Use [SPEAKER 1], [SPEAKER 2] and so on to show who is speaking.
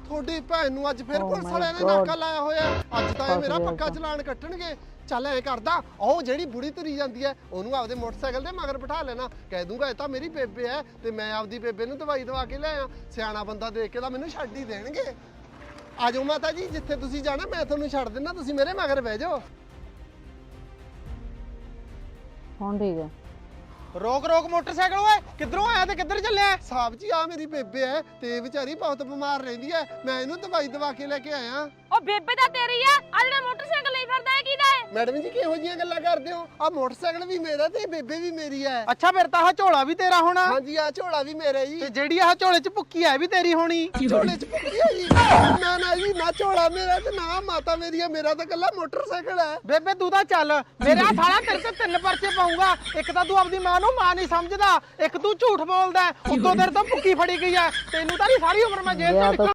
[SPEAKER 1] ਤੁਹਾਡੀ ਭੈਣ ਨੂੰ ਅੱਜ ਫਿਰ ਪੁਲਿਸ ਵਾਲਿਆਂ ਨੇ ਨਾਕਾ ਲਾਇਆ ਹੋਇਆ। ਅੱਜ ਤਾਂ ਇਹ ਮੇਰਾ ਪੱਕਾ ਚਲਾਨ ਕੱਟਣਗੇ। ਚੱਲ ਐ ਕਰਦਾ, ਉਹ ਜਿਹੜੀ ਬੁੜੀ ਤੁਰੀ ਜਾਂਦੀ ਐ ਉਹਨੂੰ ਆਪਦੇ ਮੋਟਰਸਾਈਕਲ ਦੇ ਮਗਰ ਬਿਠਾ ਲੈਣਾ। ਕਹਿ ਦੂੰਗਾ ਇਹ ਤਾਂ ਮੇਰੀ ਬੇਬੇ ਐ ਤੇ ਮੈਂ ਆਪਦੀ ਬੇਬੇ ਨੂੰ ਦਵਾਈ ਦਵਾ ਕੇ ਲਿਆਇਆ। ਸਿਆਣਾ ਬੰਦਾ ਦੇਖ ਕੇ ਤਾਂ ਮੈਨੂੰ ਛੱਡ ਹੀ ਦੇਣਗੇ। ਆ ਜਾਓ ਮਾਤਾ ਜੀ, ਜਿੱਥੇ ਤੁਸੀਂ ਜਾਣਾ ਮੈਂ ਤੁਹਾਨੂੰ ਛੱਡ ਦਿੰਦਾ, ਤੁਸੀਂ ਮੇਰੇ ਮਗਰ ਬਹਿ ਜਾਓ।
[SPEAKER 2] ਹੁਣ ਠੀਕ ਹੈ।
[SPEAKER 3] ਰੋਕ ਰੋਕ ਮੋਟਰਸਾਈਕਲ ਓਏ, ਕਿੱਧਰੋਂ ਆਇਆ ਤੇ ਕਿੱਧਰ ਚੱਲਿਆ?
[SPEAKER 1] ਸਾਹਿਬ ਜੀ ਆ ਮੇਰੀ ਬੇਬੇ ਐ ਤੇ ਇਹ ਵਿਚਾਰੀ ਬਹੁਤ ਬਿਮਾਰ ਰਹਿੰਦੀ ਐ, ਮੈਂ ਇਹਨੂੰ ਦਵਾਈ ਦਵਾ ਕੇ ਲੈ ਕੇ ਆਇਆ।
[SPEAKER 4] ਉਹ ਬੇਬੇ ਤਾਂ ਤੇਰੀ ਆ, ਆ ਜਿਹੜਾ ਮੋਟਰਸਾਈਕਲ ਲਈ ਫਿਰਦਾ ਹੈ ਕਿਹਦਾ ਹੈ?
[SPEAKER 1] ਮੈਡਮ ਜੀ ਕਿਹੋ ਜਿਹੀਆਂ ਗੱਲਾਂ ਕਰਦੇ ਹੋ? ਆ ਮੋਟਰਸਾਈਕਲ ਵੀ ਮੇਰਾ ਤੇ ਬੇਬੇ ਵੀ ਮੇਰੀ ਐ।
[SPEAKER 3] ਅੱਛਾ ਫਿਰ ਤਾਂ ਆਹ ਝੋਲਾ ਵੀ ਤੇਰਾ ਹੋਣਾ।
[SPEAKER 1] ਹਾਂਜੀ ਆ ਝੋਲਾ ਵੀ ਮੇਰਾ ਜੀ।
[SPEAKER 3] ਤੇ ਜਿਹੜੀ ਆਹ ਝੋਲੇ 'ਚ ਭੁੱਕੀ ਐ ਵੀ ਤੇਰੀ ਹੋਣੀ।
[SPEAKER 1] ਝੋਲੇ 'ਚ ਭੁੱਕੀ ਹੈ ਜੀ? ਨਾ ਜੀ, ਨਾ ਝੋਲਾ ਮੇਰਾ ਤੇ ਨਾ ਮਾਤਾ ਮੇਰੀ ਐ, ਮੇਰਾ ਤਾਂ ਇਕੱਲਾ ਮੋਟਰਸਾਈਕਲ ਐ।
[SPEAKER 3] ਬੇਬੇ ਤੂੰ ਤਾਂ ਚੱਲ, ਮੇਰਾ ਸਾਲਾ ਤੇਰੇ ਤੇ 3 ਪਰਚੇ ਪਾਉਂਗਾ। ਇੱਕ ਤਾਂ ਤੂੰ ਆਪਦੀ ਮਾਂ ਨੂੰ ਮਾਂ ਨਹੀਂ ਸਮਝਦਾ, ਇੱਕ ਤੂੰ ਝੂਠ ਬੋਲਦਾ, ਉੱਤੋਂ ਤੇਰੇ ਤੋਂ ਭੁੱਕੀ ਫੜੀ ਗਈ ਐ। ਤੈਨੂੰ ਤਾਂ ਨਹੀਂ ਸਾਰੀ ਉਮਰ ਮੈਂ ਜੇਲ੍ਹ 'ਚ